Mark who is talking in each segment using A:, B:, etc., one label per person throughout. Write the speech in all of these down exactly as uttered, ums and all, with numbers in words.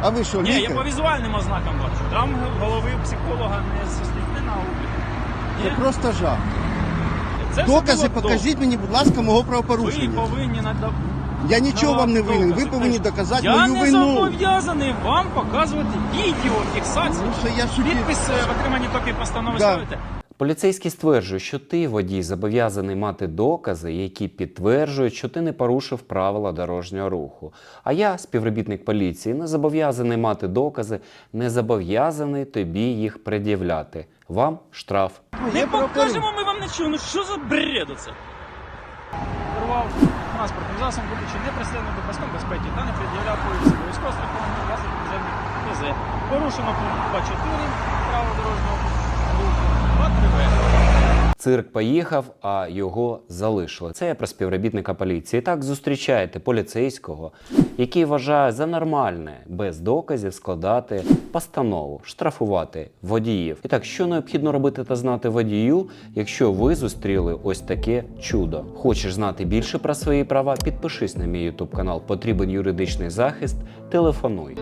A: А ви що,
B: Ні,
A: лікар?
B: я по візуальним ознакам бачу. Там голови психолога не состоїть на обліку.
A: Це просто жах.
B: Це все
A: Докази
B: було
A: покажіть мені, будь ласка, мого
B: добре. Ви
A: правопорушення.
B: повинні надавати.
A: Я нічого вам не винен, ви повинні доказати
B: Я
A: мою
B: не
A: вину.
B: зобов'язаний вам показувати відео, фіксацію.
A: Ну, що я собі...
B: Підпис е, в отриманні копії постанови
A: Да.
B: ставите?
C: Поліцейський стверджує, що ти, водій, зобов'язаний мати докази, які підтверджують, що ти не порушив правила дорожнього руху. А я, співробітник поліції, не зобов'язаний мати докази, не зобов'язаний тобі їх пред'являти. Вам штраф.
B: Не
A: Я
B: покажемо ми вам нічого. Ну що за бред оце? Керував транспортним засобом, будучи не пристебнутим до паском безпеки та не пред'являв поліції обов'язково страхування власних підземних ТЗ. Порушено пункт два чотири правил дорожнього руху. два три В.
C: Цирк поїхав, а його залишили. Це я про співробітника поліції. Так зустрічаєте поліцейського, який вважає за нормальне без доказів складати постанову, штрафувати водіїв. І так, що необхідно робити та знати водію, якщо ви зустріли ось таке чудо? Хочеш знати більше про свої права? Підпишись на мій ютуб канал. Потрібен юридичний захист? Телефонуй.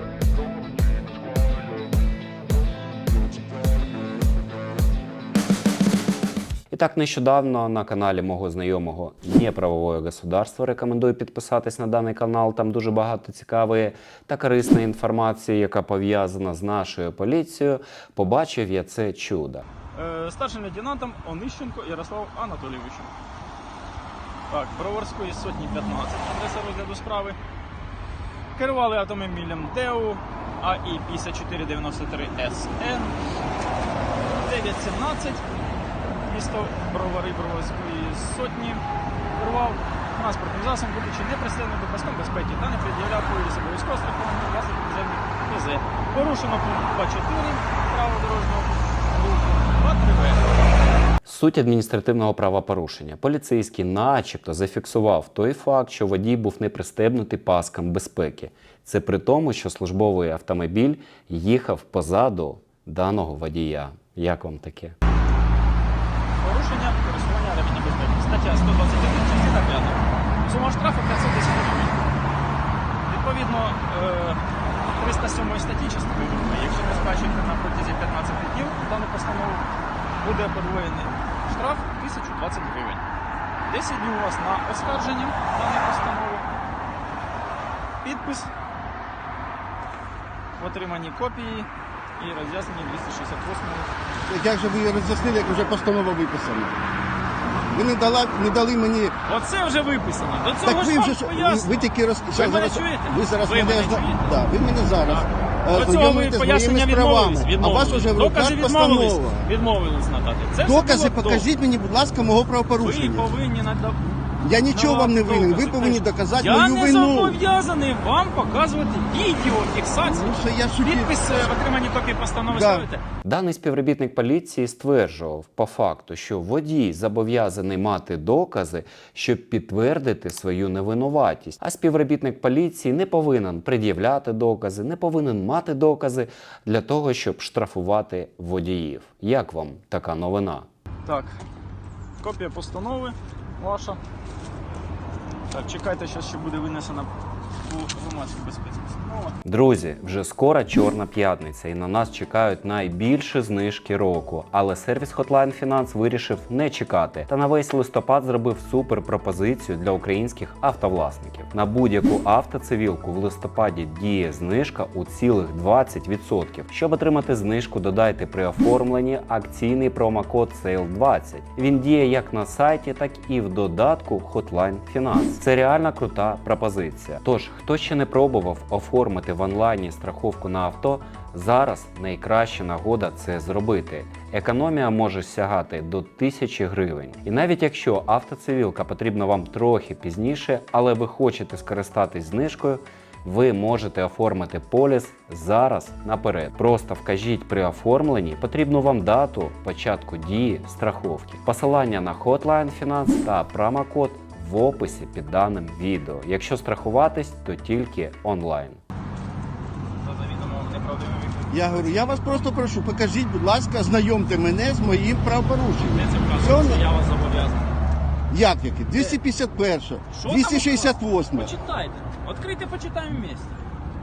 C: І так, нещодавно на каналі мого знайомого «Неправовое государство» рекомендую підписатись на даний канал. Там дуже багато цікавої та корисної інформації, яка пов'язана з нашою поліцією. Побачив я це чудо.
B: Е, старшим лейтенантом Онищенко Ярослав Анатолійовичем. Так, Броварської сотні п'ятнадцять, адреса розгляду справи. Керували автомобілем ТЕУ А І п'ятдесят чотири дев'яносто три С Н дев'ять сімнадцять. Місто Бровари Броварської сотні. Керував транспортним засобом, будучи не пристебнутим до паском безпеки та не пред'являв поліції обов'язково страхування власних підземних ТЗ. Порушено пункт два чотири правил дорожнього руху. два три В.
C: Суть адміністративного правопорушення. Поліцейський начебто зафіксував той факт, що водій був не пристебнутий паском безпеки. Це при тому, що службовий автомобіль їхав позаду даного водія. Як вам таке?
B: Порушення користування реміння безпеки. Стаття сто двадцять один, частина п'ята. Сума штрафу п'ятсот десять гривень. Відповідно, е, триста сьомої статті частини другої, якщо не сплачуєте на протязі п'ятнадцяти днів дану постанову, буде подвоєний штраф тисячу двадцять гривень. десять днів у вас на оскарження даної постанови. Підпис в отриманні копії і роз'яснення двісті шістдесят восьмого.
A: Як же ви її роз'яснили, як вже постанова виписана? Ви не, дала, не дали мені...
B: Оце вже виписано. До цього
A: Так
B: ж
A: ви
B: вам
A: вже ж- ви,
B: пояснено.
A: ви тільки роз...
B: Ви
A: зараз-
B: мене чуєте?
A: Ви зараз
B: Ви
A: мене,
B: мене
A: зна-
B: чуєте?
A: Да, ви мене зараз
B: Так.
A: е,
B: До цього ви
A: знайомите з
B: пояснення
A: моїми
B: відмовились.
A: справами, а у вас
B: відмовились.
A: вже в
B: Докази
A: руках
B: відмовились,
A: постанова.
B: відмовились надати. Це все
A: Докази
B: було
A: покажіть мені, будь ласка, мого
B: добре. Ви
A: правопорушення.
B: повинні надати.
A: Я нічого вам не винен, ви повинні доказати
B: Я
A: мою
B: не
A: вину.
B: зобов'язаний вам показувати відео, фіксацію.
A: Ну, що я собі...
B: Підпис е, в отриманні копії постанови
A: Да.
B: ставите?
C: Даний співробітник поліції стверджував по факту, що водій зобов'язаний мати докази, щоб підтвердити свою невинуватість. А співробітник поліції не повинен пред'являти докази, не повинен мати докази для того, щоб штрафувати водіїв. Як вам така новина?
B: Так, копія постанови ваша. Так, чекайте, зараз ще буде винесена у громадській безпеці постанова.
C: Друзі, вже скоро Чорна п'ятниця і на нас чекають найбільші знижки року. Але сервіс Hotline Finance вирішив не чекати та на весь листопад зробив супер пропозицію для українських автовласників. На будь-яку автоцивілку в листопаді діє знижка у цілих двадцять відсотків. Щоб отримати знижку, додайте при оформленні акційний промокод сейл двадцять. Він діє як на сайті, так і в додатку Hotline Finance. Це реально крута пропозиція. Тож, хто ще не пробував оформити в онлайні страховку на авто, зараз найкраща нагода це зробити. Економія може сягати до тисячі гривень. І навіть якщо автоцивілка потрібна вам трохи пізніше, але ви хочете скористатись знижкою, ви можете оформити поліс зараз наперед. Просто вкажіть при оформленні потрібну вам дату початку дії страховки. Посилання на Hotline Finance та промокод в описі під даним відео. Якщо страхуватись, то тільки онлайн.
B: За завідомо неправдивим відповідь.
A: Я говорю, я вас просто прошу, покажіть, будь ласка, знайомте мене з моїм правопорушенням.
B: Де це
A: Все,
B: вказано, що я вас зобов'язаний?
A: як яке? двісті п'ятдесят перша,
B: Що там
A: двісті шістдесят восьма.
B: Почитайте. Відкрийте, почитаємо вместе.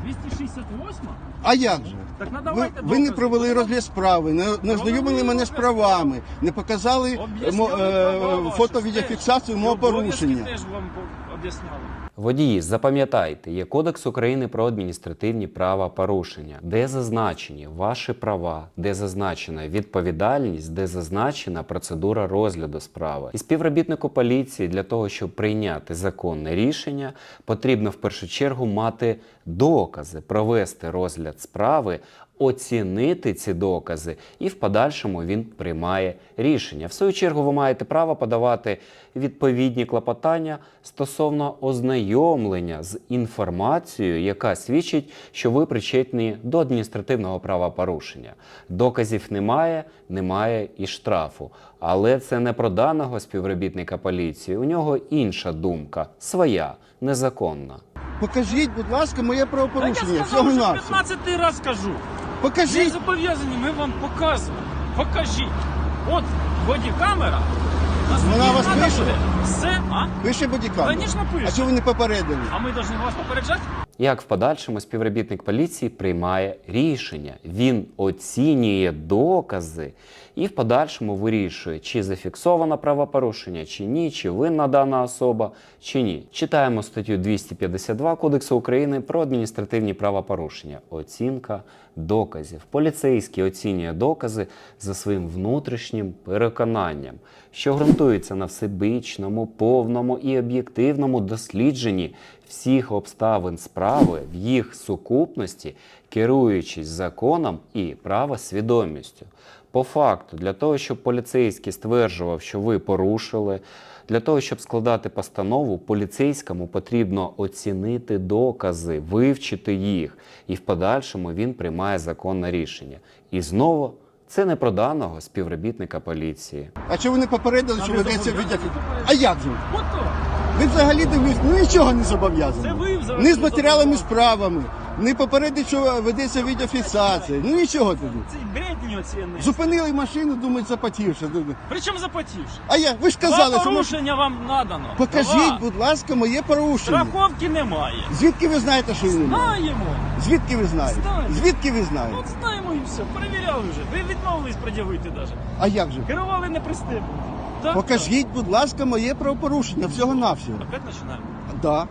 B: двісті шістдесят восьма?
A: А як же?
B: Так
A: Ви,
B: надавайте
A: ви не
B: докази.
A: провели розгляд справи, не, не ознайомили мене з правами, не показали мо, е, фото-відеофіксацію мого порушення.
B: Теж вам об'ясняли.
C: Водії, запам'ятайте, є Кодекс України про адміністративні правопорушення, де зазначені ваші права, де зазначена відповідальність, де зазначена процедура розгляду справи. І співробітнику поліції для того, щоб прийняти законне рішення, потрібно в першу чергу мати докази, провести розгляд справи, оцінити ці докази, і в подальшому він приймає рішення. В свою чергу ви маєте право подавати відповідні клопотання стосовно ознайомлення з інформацією, яка свідчить, що ви причетні до адміністративного правопорушення. Доказів немає, немає і штрафу. Але це не про даного співробітника поліції, у нього інша думка, своя, незаконна.
A: Покажіть, будь ласка, моє
B: Та
A: правопорушення.
B: я
A: Всього
B: сказав, що
A: навсього.
B: п'ятнадцятий раз кажу. Ви
A: Покажіть.
B: зобов'язані, ми вам показуємо. Покажіть. От бодікамера. Нас
A: Вона
B: тоді
A: вас
B: надо
A: пише?
B: буде. Все, а?
A: Пише бодікамера.
B: Конечно, пише.
A: А чого ви не попередили?
B: А ми повинні вас попереджати?
C: Як в подальшому співробітник поліції приймає рішення. Він оцінює докази і в подальшому вирішує, чи зафіксовано правопорушення, чи ні, чи винна дана особа, чи ні. Читаємо статтю двісті п'ятдесят два Кодексу України про адміністративні правопорушення. Оцінка доказів. Поліцейський оцінює докази за своїм внутрішнім переконанням, що ґрунтується на всебічному, повному і об'єктивному дослідженні всіх обставин справи в їх сукупності, керуючись законом і правосвідомістю. По факту, для того, щоб поліцейський стверджував, що ви порушили, для того, щоб складати постанову, поліцейському потрібно оцінити докази, вивчити їх, і в подальшому він приймає законне рішення. І знову, це не про даного співробітника поліції.
A: А чого ви не попередили,
B: А
A: що
B: ви
A: ведеться
B: зобов'язані
A: відео?
B: попередити?
A: А як же?
B: Ото.
A: Ви взагалі дивлюсь, ну нічого не
B: Це
A: зобов'язані.
B: ви взагалі
A: Ні з матеріалами
B: не
A: справами, не попередить, що ведеться відеофіксація. Ну нічого тоді.
B: Це бредні оціни.
A: Зупинили машину, думають, запотівши.
B: Причому запотівши?
A: А я, ви ж
B: Два
A: казали, що... ми-
B: порушення вам надано.
A: Покажіть,
B: Два.
A: будь ласка, моє порушення.
B: Страховки немає.
A: Звідки ви знаєте, що її немає?
B: Знаємо.
A: Звідки ви знаєте?
B: Знаємо.
A: Звідки ви знаєте?
B: От знаємо і все. Перевіряли вже. Ви відмовились пред'явити навіть.
A: А як же?
B: Керували не пристебнуті. Так,
A: Покажіть, будь ласка, моє правопорушення, всього-навсього.
B: так. Опять починаємо.
A: Да.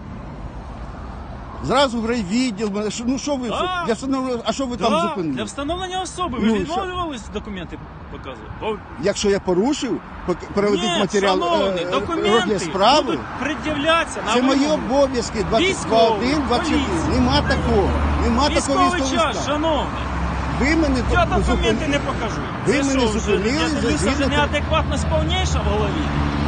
A: Зразу в райвідділ, мене- що- ну що ви,
B: Да.
A: що- я встановлю, а що ви там
B: Да,
A: зупинили?
B: для встановлення особи. Ви
A: Ну, і
B: відмовлювались документи показувати? Бо-
A: Якщо я порушив, пок- переведіть
B: Ні,
A: матеріал
B: шановний,
A: е,
B: документи
A: розгляд справи.
B: будуть пред'являтися на
A: Це мої
B: вимогу.
A: обов'язки двадцять два один, двадцять
B: поліція.
A: чотири. Нема такого. Нема такого
B: Військовий
A: військового
B: час,
A: стану.
B: шановний.
A: Ви мене
B: Я
A: зупинили.
B: документи не покажу.
A: Ви
B: Це
A: мене
B: що, вже,
A: зупинили
B: Я
A: за
B: дивлюся, вже
A: згідно-
B: неадекватність повніша в голові.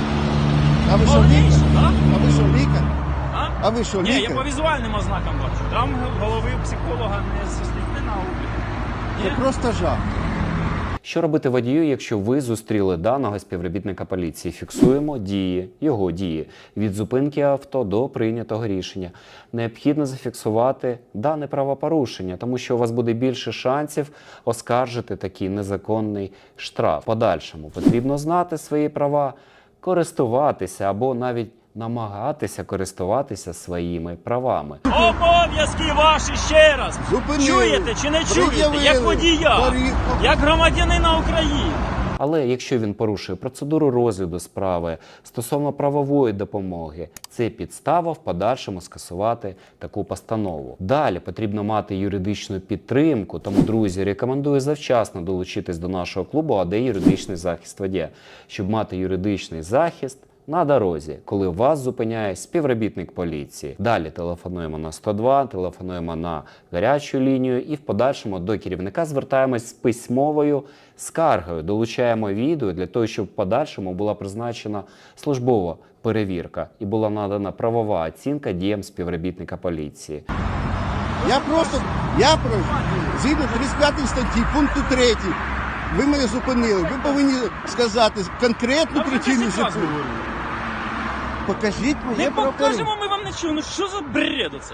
A: А ви що
B: Повніша,
A: лікар?
B: так?
A: А ви що лікар?
B: А?
A: А ви що
B: Ні, я
A: лікар?
B: по візуальним ознакам бачу. Там голови психолога не зі науки.
A: Це
B: Ні?
A: просто жах.
C: Що робити водію, якщо ви зустріли даного співробітника поліції? Фіксуємо дії, його дії, від зупинки авто до прийнятого рішення. Необхідно зафіксувати дане правопорушення, тому що у вас буде більше шансів оскаржити такий незаконний штраф. В подальшому потрібно знати свої права, користуватися або навіть намагатися користуватися своїми правами.
B: Обов'язки ваші ще раз.
A: Зупинили.
B: Чуєте чи не чуєте?
A: Пред'явили.
B: Як водія,
A: Порі-
B: як громадянина України.
C: Але якщо він порушує процедуру розгляду справи стосовно правової допомоги, це підстава в подальшому скасувати таку постанову. Далі потрібно мати юридичну підтримку, тому, друзі, рекомендую завчасно долучитись до нашого клубу «АД Юридичний захист водія», щоб мати юридичний захист на дорозі, коли вас зупиняє співробітник поліції. Далі телефонуємо на сто два, телефонуємо на гарячу лінію і в подальшому до керівника звертаємось з письмовою скаргою. Долучаємо відео для того, щоб в подальшому була призначена службова перевірка і була надана правова оцінка діям співробітника поліції.
A: Я просто, я про згідно тридцять п'ятої статті, пункту третього, ви мене зупинили. Ви повинні сказати конкретну
B: Я вже
A: причину
B: десять разів
A: зупинки.
B: говорю.
A: Покажіть моє
B: Не
A: правопорушення.
B: покажемо ми вам нічого. Ну що за бред оце?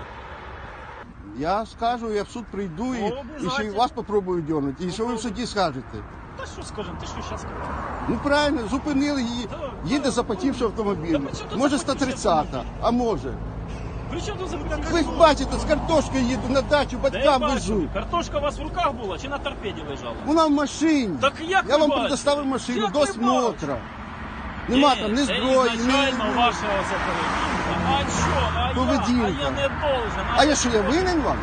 A: Я скажу, я в суд прийду і,
B: Ну,
A: і ще й
B: обов'язательно.
A: вас попробую дьонути. І що ви в суді скажете?
B: Та що скажемо, ти що зараз скажеш?
A: Ну правильно, зупинили її,
B: Так,
A: їде
B: так.
A: запотівши автомобіль.
B: Та при чому тут
A: Може
B: запотівший
A: сто тридцята, а може.
B: При чому тут закриття
A: Ви ж бачите, з картошкою їду на дачу,
B: Де я
A: батькам
B: бачу?
A: везу.
B: Картошка у вас в руках була чи на торпеді лежала?
A: Вона в машині.
B: Так як
A: Я
B: ви
A: вам
B: бачите?
A: предоставив машину
B: Як
A: до
B: ви
A: смотра. Нема там ні
B: Це
A: зброї, ні...
B: ізначально вашого це поведінка. А що? А я?
A: Поведінка.
B: А я не должен.
A: А я що, я винен вам?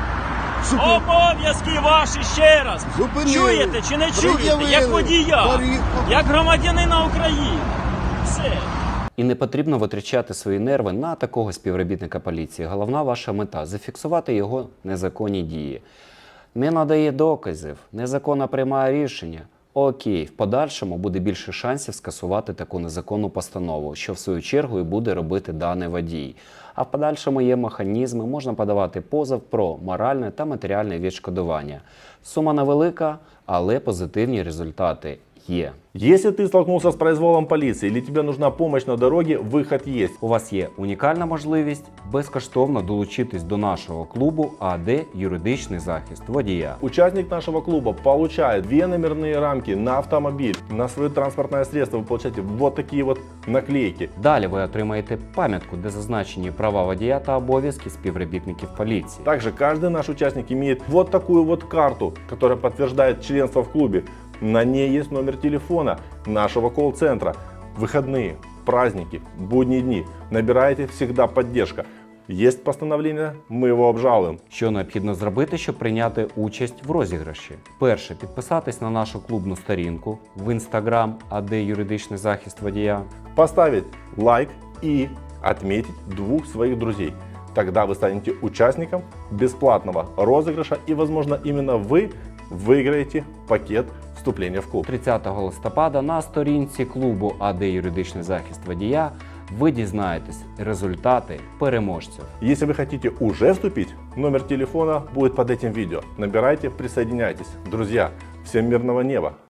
A: Щоб ви
B: Обов'язки ваші ще раз.
A: зупинили,
B: Чуєте чи не чуєте?
A: пред'явили,
B: Як водія,
A: порі-
B: як громадянина України. Все.
C: І не потрібно витрачати свої нерви на такого співробітника поліції. Головна ваша мета – зафіксувати його незаконні дії. Не надає доказів, незаконно приймає рішення. Окей, в подальшому буде більше шансів скасувати таку незаконну постанову, що в свою чергу і буде робити даний водій. А в подальшому є механізми, можна подавати позов про моральне та матеріальне відшкодування. Сума невелика, але позитивні результати є.
D: Если ты столкнулся с произволом полиции или тебе нужна помощь на дороге, выход есть.
C: У вас є унікальна можливість безкоштовно долучитись до нашого клубу АД «Юридичний захист водія».
D: Участник нашего клуба получает две номерные рамки на автомобиль. На свое транспортное средство вы получаете вот такие вот наклейки.
C: Далі ви отримаєте пам'ятку, де зазначені права водія та обов'язки співробітників поліції.
D: Также каждый наш участник имеет вот такую вот карту, которая подтверждает членство в клубе. На ней есть номер телефона нашего колл-центра. Выходные, праздники, будние дни. Набираете, всегда поддержка. Есть постановление, мы его обжалуем.
C: Що необхідно зробити, щоб прийняти участь в розіграші? Перше, підписатись на нашу клубну сторінку в інстаграм АД «Юридичний захист водія».
D: Поставить лайк и отметить двух своих друзей. Тогда вы станете участником бесплатного розыгрыша и, возможно, именно вы выиграете пакет вступления в клуб.
C: тридцятого листопада на сторінці клубу АД «Юридичний захист водія» ви дізнаєтесь результати переможців.
D: Если вы хотите уже вступить, номер телефона будет под этим видео. Набирайте, присоединяйтесь. Друзья, всем мирного неба!